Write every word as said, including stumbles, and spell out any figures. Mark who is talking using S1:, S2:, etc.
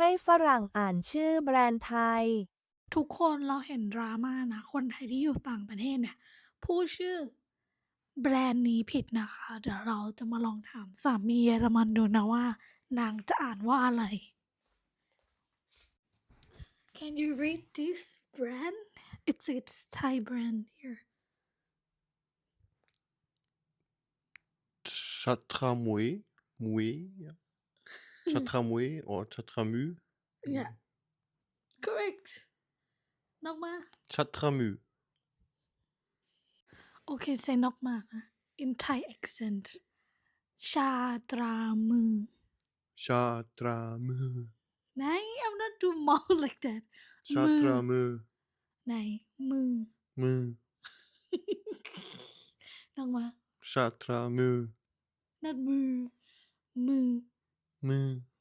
S1: ให้ฝรั่งอ่านชื่อแบรนด์ไทย
S2: ทุกคนเราเห็นดราม่านะคนไทยที่อยู่ต่างประเทศเนี่ยพูดชื่อแบรนด์นี้ผิดนะคะเดี๋ยวเราจะมาลองถามสามีเยอรมันดูนะว่านางจะอ่านว่าอะไร Can you read this brand? It's it's Thai brand here.
S3: Chatramoué, moué, Chatramoué or Chatramu.
S2: Yeah, correct. นอกมา
S3: Chatramu.
S2: Okay, say นอกมานะ in Thai accent ชาตรามือ
S3: Chatramu.
S2: ไหน I'm not do mouth like that มือ
S3: Chatramu.
S2: ไหนมือ
S3: Mu.
S2: นอกมา
S3: Chatramu.
S2: not มือมือ
S3: Mu.